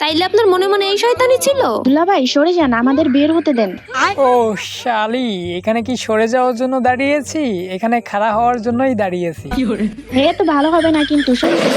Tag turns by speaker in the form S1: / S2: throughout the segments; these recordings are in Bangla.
S1: তাইলে আপনার মনে মনে এই শয়তানি ছিল?
S2: দুলাভাই সরে যান, আমাদের বের হতে দেন।
S3: ও শালি, এখানে কি সরে যাওয়ার জন্য দাঁড়িয়েছি? এখানে খাড়া হওয়ার জন্যই দাঁড়িয়েছি।
S2: হে তো ভালো হবে না কিন্তু।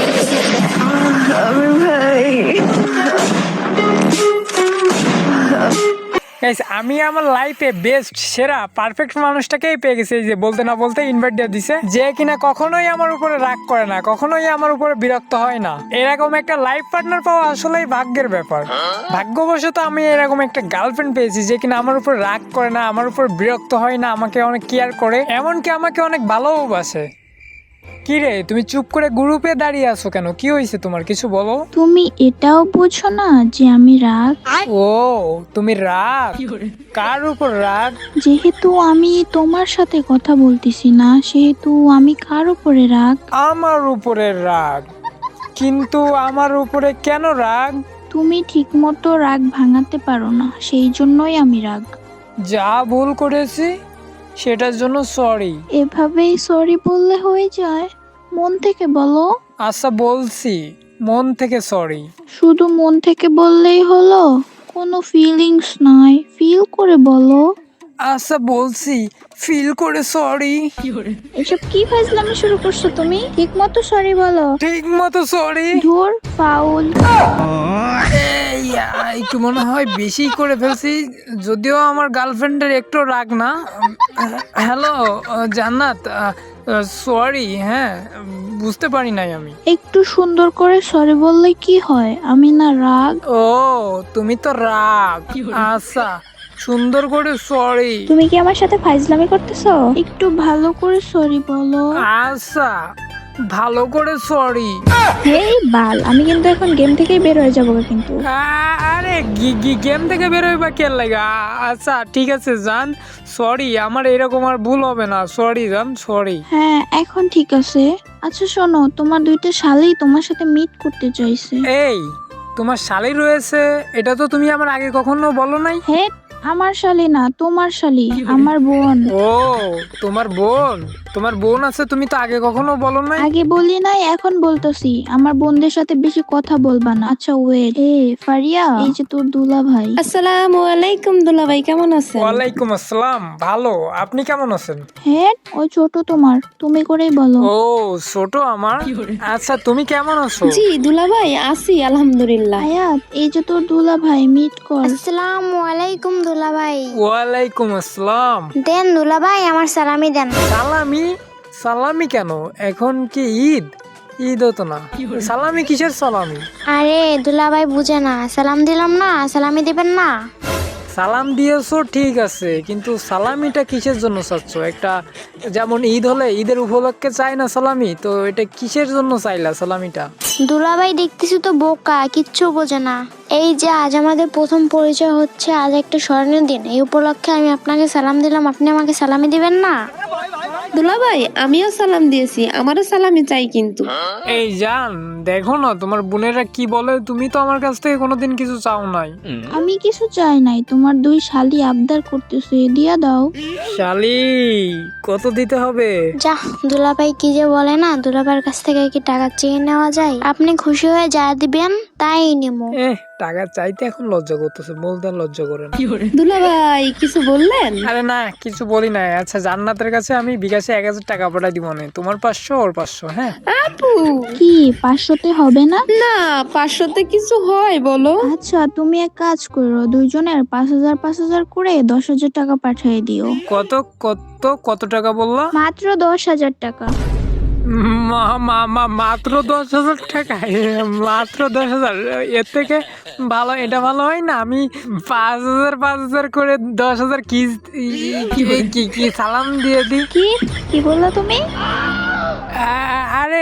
S3: Guys, আমি আমার লাইফে বেস্ট সেরা পারফেক্ট মানুষটাকেই পেয়ে গেছি, এই যে বলতে না বলতে ইনভাইট দিয়ে দিছে, যে কিনা কখনোই আমার উপরে রাগ করে না, কখনোই আমার উপরে বিরক্ত হয় না। এরকম একটা লাইফ পার্টনার পাওয়া আসলেই ভাগ্যের ব্যাপার। ভাগ্যবশত আমি এরকম একটা গার্লফ্রেন্ড পেয়েছি যে কিনা আমার উপর রাগ করে না, আমার উপর বিরক্ত হয় না, আমাকে অনেক কেয়ার করে, এমনকি আমাকে অনেক ভালোবাসে। কি রে, তুমি চুপ করে গ্রুপে দাঁড়িয়ে আছো কেন? কি হয়েছে তোমার, কিছু বলো।
S2: তুমি এটাও বোঝো না যে আমি রাগ?
S3: ও, তুমি রাগ? কার উপর রাগ?
S2: যেহেতু আমি তোমার সাথে কথা বলতেছি না, সেহেতু আমি কার উপরে রাগ?
S3: আমার উপরে রাগ? কিন্তু আমার উপরে কেন রাগ?
S2: তুমি ঠিকমতো রাগ ভাঙাতে পারো না, সেই জন্যই আমি রাগ।
S3: যা ভুল করেছি সেটার জন্য সরি।
S2: এভাবেই সরি বললে হয়ে যায়? মন থেকে বলো।
S3: আচ্ছা বলছি, মন থেকে সরি।
S2: শুধু মন থেকে বললেই হলো? কোনো ফিলিংস নয়, ফিল করে বলো।
S3: আচ্ছা বলছি, ফিল করে সরি।
S2: এসব কি ফাজলামি শুরু করছো তুমি? ঠিকমতো সরি বলো।
S3: ঠিক মতো সরি।
S2: ধুর, ফাউল।
S3: একটু মনে হয় বেশি করে ফেলছি, যদিও আমার গার্লফ্রেন্ডের একটু রাগ না। হ্যালো জান্নাত, সরি। হ্যাঁ, বুঝতে পারি নাই আমি।
S2: একটু সুন্দর করে সরি বললে কি হয়? আমি না রাগ।
S3: ও, তুমি তো রাগ। আচ্ছা, সুন্দর করে সরি।
S2: তুমি কি আমার সাথে ফাজলামি করতেছো? একটু ভালো করে সরি বলো।
S3: আচ্ছা, ভালো করে সরি।
S2: হেই বাল, আমি কিন্তু এখন গেম থেকেই বের হয়ে যাবো কিন্তু।
S3: আরে গেম থেকে বেরোয় বা কে লাগে? আচ্ছা ঠিক আছে জান, সরি, আমার এরকম আর ভুল হবে না। সরি জান, সরি।
S2: হ্যাঁ, এখন ঠিক আছে। আচ্ছা শোনো, তোমার দুইটা শালি তোমার সাথে মিট করতে চাইছে।
S3: এই, তোমার শালি রয়েছে? এটা তো তুমি আমার আগে কখনো বলো নাই।
S2: হে, আমার শালি না, তোমার শালি, আমার বোন।
S3: ও, তোমার বোন? তোমার বোন আছে, তুমি তো আগে কখনো বলো নাই।
S2: আগে বলি নাই, এখন বলতেছি। আমার বোনদের সাথে বেশি কথা বলবা না। আচ্ছা ওয়েট, ফারিয়া, এই যে তোর দুলা ভাই।
S1: আসসালামু আলাইকুম দুলাভাই, কেমন আছেন?
S3: ওয়ালাইকুম আসসালাম, ভালো। আপনি কেমন আছেন?
S2: হ্যাঁ, ওই ছোট তোমার, তুমি করেই বলো।
S3: ও, ছোট আমার। আচ্ছা, তুমি কেমন আছো?
S1: জি দুলাভাই, আছি আলহামদুলিল্লাহ।
S2: আয়াত, এই যে তোর দুলা ভাই, মিট কর।
S4: আসসালামু আলাইকুম দুলাভাই।
S3: ওয়ালাইকুম আসসালাম।
S4: দেন দুলাভাই, আমার সালামি দেন।
S3: সালামি? সালামি কেন? এখন কি ঈদ? ঈদ হতো না, সালামি কিসের সালামি?
S4: আরে দুলাভাই বুঝে না, সালাম দিলাম না, সালামি দিবেন না?
S3: সালাম দিয়েছো ঠিক আছে, কিন্তু সালামিটা কিসের জন্য চাচ্ছ? একটা যেমন ঈদ হলে ঈদের উপলক্ষে চাই না সালামি, তো এটা কিসের জন্য চাইলা সালামিটা?
S4: দুলাভাই দেখতেছি তো বোকা, কিচ্ছু বোঝে না। এই যে আজ আমাদের প্রথম পরিচয় হচ্ছে, আজ একটা স্মরণীয় দিন, এই উপলক্ষে আমি আপনাকে সালাম দিলাম, আপনি আমাকে সালামি দিবেন না?
S1: দুলাভাই, আমিও সালাম দিয়েছি, আমারও সালামি চাই কিন্তু।
S3: এই জান, দেখো না তোমার বোনেরা কি বলে, তুমি তো আমার কাছ থেকে কোনোদিন কিছু চাও নাই।
S2: আমি কিছু চাই নাই, তোমার দুই শালি আবদার করতেছে, দিয়া দাও।
S3: শালি, কত দিতে হবে?
S4: যা, দুলাভাই কি যে বলে না, দুলাভাইয়ের কাছ থেকে কি টাকা চেয়ে নেওয়া যায়? আপনি খুশি হয়ে যা দিবেন তাই নেবো।
S3: টাকা চাইতে এখন লজ্জা করতেছে, বলতে আর লজ্জা করে না।
S1: দুলাভাই কিছু বললেন?
S3: আরে না, কিছু বলি নাই। আচ্ছা, জান্নাতের কাছে আমি বিকাশে 1000 টাকা পাঠাই দিব না, তোমার 500 ওর 500। হ্যাঁ
S1: আপু,
S2: কি 500-তে হবে না?
S1: না 500-তে কিছু হয় বলো?
S2: আচ্ছা, তুমি এক কাজ করো, দুইজনের 5000 করে 10,000 টাকা পাঠিয়ে দিও।
S3: কত কত কত টাকা বললা?
S2: মাত্র 10,000 টাকা।
S3: মাত্র 10,000 টাকা? মাত্র 10,000? এর থেকে ভালো, এটা ভালো হয় না? আমি 5,000 করে 10,000 কি কি কি সালাম দিয়ে দিই।
S2: কি বললা তুমি?
S3: আরে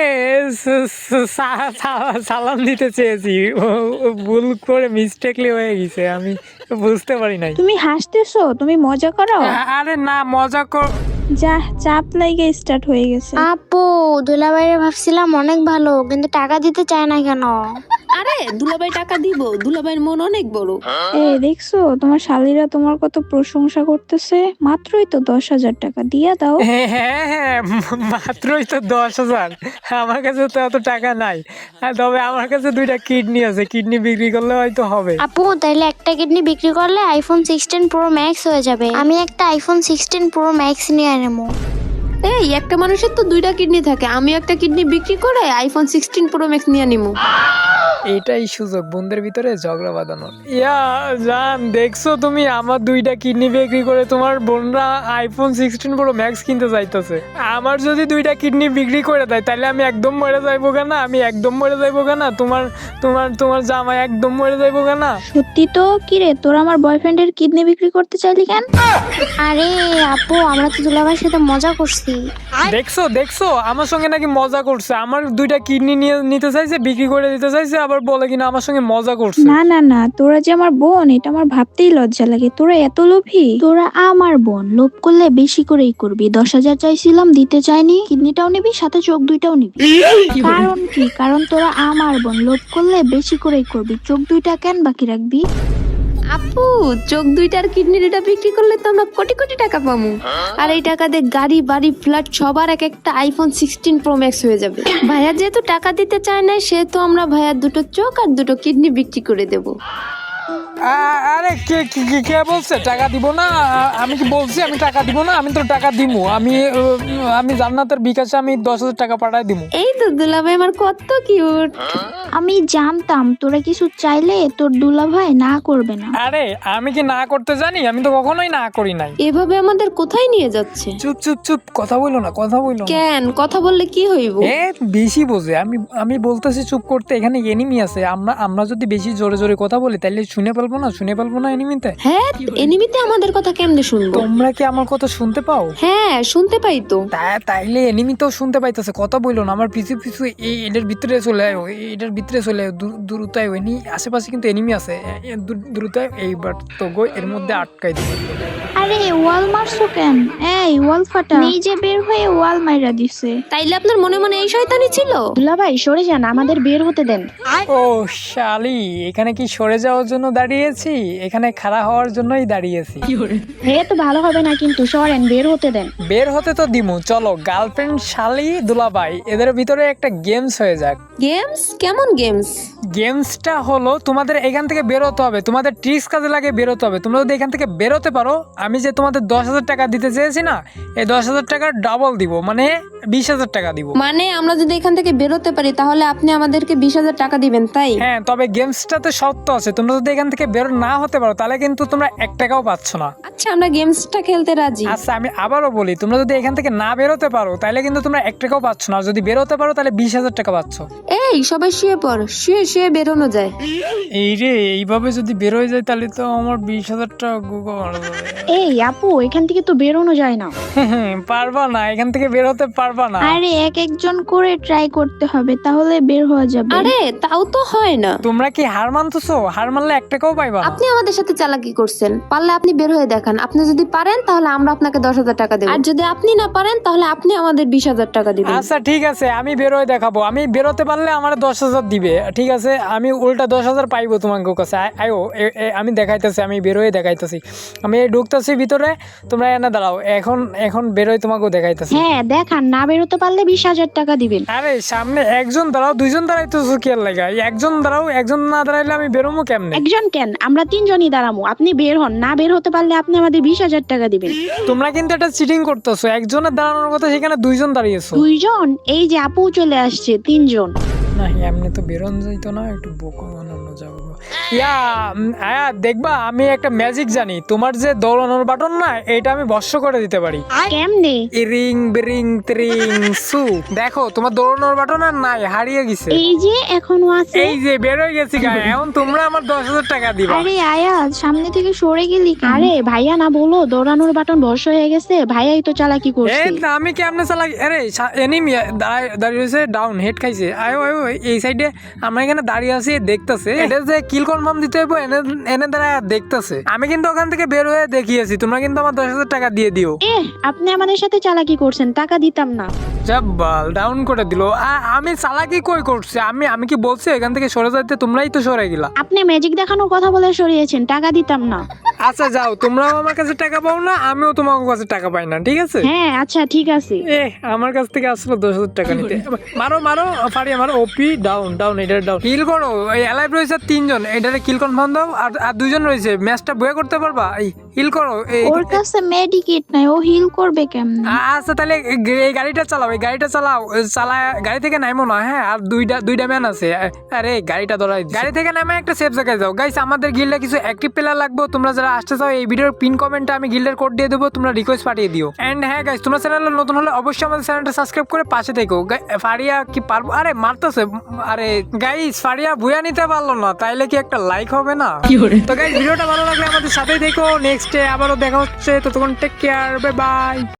S3: সালাম দিতে চেয়েছি, ভুল করে মিস্টেকলি হয়ে গেছে, আমি বুঝতে পারি নাই।
S2: তুমি হাসতেছো? তুমি মজা করো?
S3: আরে না, মজা কর।
S2: যা, চাপ লাগে স্টার্ট হয়ে গেছে।
S4: আপু, দুলাভাইরে ভাবছিলাম অনেক ভালো, কিন্তু টাকা দিতে চায় না কেন?
S1: আরে দুলাভাই টাকা দিব, দুলাভাইয়ের মন অনেক বড়।
S2: দেখছো তোমার শালীরা তোমার কত প্রশংসা করতেছে, মাত্রই তো 10,000 টাকা দিয়া দাও।
S3: হ্যাঁ হ্যাঁ হ্যাঁ, মাত্রই তো 10,000। আমার কাছে তো এত টাকা নাই, তবে আমার কাছে 2টা কিডনি আছে, কিডনি বিক্রি করলে হয়তো হবে।
S4: আপু তাইলে একটা কিডনি বিক্রি করলে আইফোন 16 প্রো ম্যাক্স হয়ে যাবে। আমি একটা আইফোন 16 প্রো ম্যাক্স নিয়ে নেবো।
S1: এই একটা মানুষের তো 2টা কিডনি থাকে, আমি একটা কিডনি বিক্রি করে আইফোন 16 প্রো ম্যাক্স নিয়ে নিমু।
S3: এটাই সুযোগ বন্ধুদের ভিতরে ঝগড়া বাঁধানোর। ইয়া জান, দেখছো তুমি আমার 2টা কিডনি বিক্রি করে তোমার বোনরা আইফোন 16 প্রো ম্যাক্স কিনতে চাইতেছে। আমার যদি 2টা কিডনি বিক্রি করে দেয় তাহলে আমি একদম মরে যাইবো কেনা, আমি একদম মরে যাইবো কেনা, তোমার তোমার তোমার জামাই একদম মরে যাইবো কেনা।
S2: সত্যি তো, কি রে তোর আমার বয়ফ্রেন্ডের কিডনি বিক্রি করতে চাইলি কেন?
S4: আরে আপু আমরা তো দুলাভাইয়ের সাথে মজা করছি।
S3: দেখছো দেখছো, আমার সঙ্গে নাকি মজা করছে, আমার 2টা কিডনি নিয়ে নিতে চাইছে, বিক্রি করে দিতে চাইছে, আবার বলে কিনা আমার সঙ্গে মজা করছে।
S2: না না না, তোরা যে আমার বোন এটা আমার ভাবতেই লজ্জা লাগে। তোরা এত লোভী? তোরা আমার বোন, লোভ করলে বেশি করেই করবি। 10,000 চাইছিলাম, দিতে চাইনি, কিডনিটাও নিবি, সাথে চোখ 2টাও নিবি। কারণ কি? কারণ তোরা আমার বোন, লোভ করলে বেশি করেই করবি। চোখ 2টা কেন বাকি রাখবি?
S1: আপু চোখ 2টার কিডনি 2টা বিক্রি করলে তো আমরা কোটি কোটি টাকা পাবো, আর এই টাকা দিয়ে গাড়ি বাড়ি ফ্ল্যাট সবার এক একটা আইফোন 16 প্রো ম্যাক্স হয়ে যাবে। ভাইয়া যেহেতু টাকা দিতে চায় না, সেহেতু আমরা ভাইয়ার 2টো চোখ আর 2টো কিডনি বিক্রি করে দেবো।
S3: আরে কে কে কে- কে বলছে টাকা দিব না? আমি কি বলছি আমি টাকা দিব না? আমি তো টাকা দিমু। আমি জান্নাতের বিকাশে আমি 10,000 টাকা পাঠাই দিমু।
S1: এই তো দুলাভাই আমার কত কিউট।
S2: আমি জানতাম তোরা কিছু চাইলে তোর দুলাভাই না করবে না।
S3: আরে আমি কি না করতে জানি? আমি তো কখনোই না করি নাই।
S1: এভাবে আমাদের কোথায় নিয়ে যাচ্ছে?
S3: চুপ চুপ চুপ, কথা বইলো না, কথা বইলো না।
S1: কেন কথা বললে কি হইব?
S3: এ বেশি বোঝে। আমি বলতেছি চুপ করতে, এখানে এনিমি আছে। আমরা যদি বেশি জোরে জোরে কথা বলি তাহলে শুনে পারবো না এনিমিতে।
S1: হ্যাঁ এনিমিতে আমাদের কথা কেমনে শুনবো?
S3: তোমরা কি আমার কথা শুনতে পাও?
S1: হ্যাঁ শুনতে পাই তো।
S3: তাইলে এনিমি তো শুনতে পাইতেছে, কথা বইলো না। আমার পিছু পিছু এটার ভিতরে চলে আয়, এটার ভিতরে চলে আয়, দ্রুত আয়। আশেপাশে কিন্তু এনিমি আছে, দ্রুত আয়। এইবার তো গো এর মধ্যে আটকাই দিব।
S2: আরে ওয়াল মারছো কেন? এই ওয়াল ফাটা, নিজে বের হয়ে ওয়াল মাইরা দিছে।
S1: তাইলে আপনার মনে মনে এই শয়তানি ছিল?
S5: দুলাভাই সরে যান, আমাদের বের হতে দেন।
S3: ও শালি, এখানে কি সরে যাওয়ার জন্য দাঁড়িয়েছি? এখানে খাড়া হওয়ার জন্যই দাঁড়িয়েছি।
S5: হে তো ভালো হবে না, কিন্তু সরেন, বের হতে দেন।
S3: বের হতে তো দিমু। চলো গার্লফ্রেন্ড শালি দুলাভাই এদের ভিতরে একটা গেমস হয়ে যাক।
S1: গেমস? কেমন গেমস?
S3: গেমসটা হলো তোমাদের এখান থেকে বেরোতে হবে, তোমাদের ট্রিক্স কাজে লাগে বেরোতে হবে। তোমরা যদি এখান থেকে বেরোতে পারো, আমি যে তোমাদের 10,000 টাকা দিতে চেয়েছি না, এই 10,000 টাকার ডাবল দিব, মানে 20,000 টাকা দিব।
S1: মানে আমরা যদি এখান থেকে বেরোতে পারি তাহলে আপনি আমাদেরকে 20,000 টাকা দিবেন, তাই?
S3: হ্যাঁ, তবে গেমসটাতে শর্ত আছে। তোমরা যদি এখান থেকে বের না হতে পারো তাহলে কিন্তু তোমরা 1 টাকাও পাচ্ছ না।
S1: আচ্ছা আমরা গেমসটা খেলতে রাজি।
S3: আচ্ছা আমি আবারও বলি, তোমরা যদি এখান থেকে না বেরোতে পারো তাহলে কিন্তু তোমরা 1 টাকাও পাচ্ছ না, আর যদি বেরোতে পারো তাহলে 20,000 টাকা পাচ্ছ।
S1: এই সবাই শুয়ে পড়, শুয়ে শুয়ে বেরোনো যায়।
S3: এই রে, এইভাবে যদি বেরোয় যায় তাহলে তো আমার 20,000 টাকা গুগল মারা যাবে।
S5: এই আপু, এখান থেকে তো বেরোনো যায় না।
S3: পারবা না, এখান থেকে বেরোতে পারবা না।
S2: আরে এক একজন করে ট্রাই করতে হবে, তাহলে বের হওয়া যাবে।
S1: আরে তাও তো হয় না।
S3: তোমরা কি হার মানতেছো? হার মানলে 1 টাকাও পাইবা না।
S1: আপনি আমাদের সাথে চালাকি করছেন, পারলে আপনি বের হয়ে দেখান। আপনি যদি পারেন তাহলে আমরা আপনাকে 10,000 টাকা দেব, আর যদি আপনি না পারেন তাহলে আপনি আমাদের 20,000 টাকা দিবেন।
S3: আচ্ছা ঠিক আছে, আমি বেরোয় দেখাবো। আমি বেরোতে পারলে আমার 10,000 দিবে, ঠিক আছে? আমি উল্টা 10,000 পাইবো তোমার কাছে। আয়ো আমি দেখাইতেছি, আমি বেরোয় দেখাইতেছি। আমি ঢুকতেছি ভিতরে, তোমরা এনে দাঁড়াও। এখন বেরোয় তোমাকেও দেখাইতেছি।
S5: হ্যাঁ দেখান, না বেরোতে পারলে 20,000 টাকা দিবেন।
S3: আরে সামনে একজন দাঁড়াও, 2জন দাঁড়াইতেছো কি আর লাগা? একজন দাঁড়াও, একজন না দাঁড়াইলে আমি বেরোবো কেমনে?
S5: একজন কেন, আমরা 3জনই দাঁড়াবো। আপনি বের হন, না বের হতে পারলে আপনি আমাদের 20,000 টাকা দিবেন।
S3: তোমরা কিন্তু এটা চিটিং করতেছো। একজনের দাঁড়ানোর কথা, সেখানে 2জন দাঁড়িয়েছো।
S5: 2জন? এই যে আপু চলে আসছে, 3জন।
S3: না এমনি তো বেরোন যাইতো না, একটু বোকা বানানো যাবো। আয়া দেখবা, আমি একটা ম্যাজিক জানি। তোমার যে দৌড়ানোর বাটন না, এটা আমি বর্ষ করে দিতে পারি।
S5: কেমনে?
S3: রিং বিরিং ত্রিং সু। দেখো তোমার দৌড়ানোর বাটন আর নাই, হারিয়ে গেছে।
S5: এই যে এখনো আছে।
S3: এই যে বেরোয় গেছি গায়ে। এখন তোমরা আমার 10,000 টাকা দিবা।
S2: আরে আয়াজ, সামনে থেকে সরে গেলি কেন?
S5: আরে ভাইয়া না বলো দৌড়ানোর বাটন বর্ষ হয়ে গেছে, ভাইয়াই তো চালাকি করছে।
S3: আমি কেমনে চালাই? আরে এনিমি দাঁড়িয়ে রয়েছে, ডাউন হেড খাইছে। আয়ো এই সাইডে আমরা এখানে দাঁড়িয়ে আছি, দেখতেছে। এটা যে কিল কনফার্ম দিতে হইব এনে এনে দ্বারা দেখতেছে। আমি কিন্তু ওখান থেকে বের হয়ে দেখিয়েছি, তোমরা কিন্তু আমার 10,000 টাকা দিয়ে দিও।
S5: আপনি আমাদের সাথে চালাকি করছেন, টাকা দিতাম না।
S3: জাব্বাল ডাউন করে দিল। আমি চালাকি কই করছি? আমি কি বলছি এখান থেকে সরে যাইতে? তোমরাই তো সরে গেলা।
S5: আপনি ম্যাজিক দেখানোর কথা বলে সরিয়েছেন, টাকা দিতাম না।
S3: আচ্ছা যাও, তোমরাও আমার কাছে টাকা পাও না, আমিও তোমার কাছে টাকা পাই না, ঠিক আছে?
S5: হ্যাঁ আচ্ছা ঠিক আছে।
S3: আমার কাছ থেকে আসলো 10,000 টাকা নিতে। মারো মারো ফাড়িয়া মারো। ওপি ডাউন ডাউন, এটা ডাউন। কিল করো। এই অ্যালাইভ রয়েছে 3 জন, এটারে কিল কনফার্ম দাও। আর 2 জন রয়েছে, ম্যাচটা বয়ে করতে পারবা? এই হিল করো।
S2: ওর কাছে মেডিকেট নাই, ও হিল করবে কেমনে?
S3: আচ্ছা তাহলে এই গাড়িটা চালাও, এই গাড়িটা চালাও। চালায় গাড়ি থেকে নামো না। হ্যাঁ, আর দুইটা ম্যান আছে। আরে গাড়িটা ধরাই, গাড়ি থেকে নামে একটা সেফ জায়গায় যাও। গাইস আমাদের গিল্ডে কিছু অ্যাক্টিভ প্লেয়ার লাগবে, তোমরা যারা আসতে চাও এই ভিডিওর পিন কমেন্টে আমি গিল্ডের কোড দিয়ে দেবো, তোমরা রিকোয়েস্ট পাঠিয়ে দিও। এন্ড হ্যাঁ গাইস, তোমরা চ্যানেলে নতুন হলে অবশ্যই আমাদের চ্যানেলটা সাবস্ক্রাইব করে পাশে থেকো। ফারিয়া কি পারবো? আরে মারতেছে। আরে গাইস ফারিয়া বুয়া নিতে পারলো না, তাইলে কি একটা লাইক হবে না? তো গাইস ভিডিওটা ভালো লাগলে আমাদের সাথেই থেকো। নেক্সট ডে আবারও দেখা হচ্ছে, ততক্ষণ টেক কেয়ার, বাই বাই।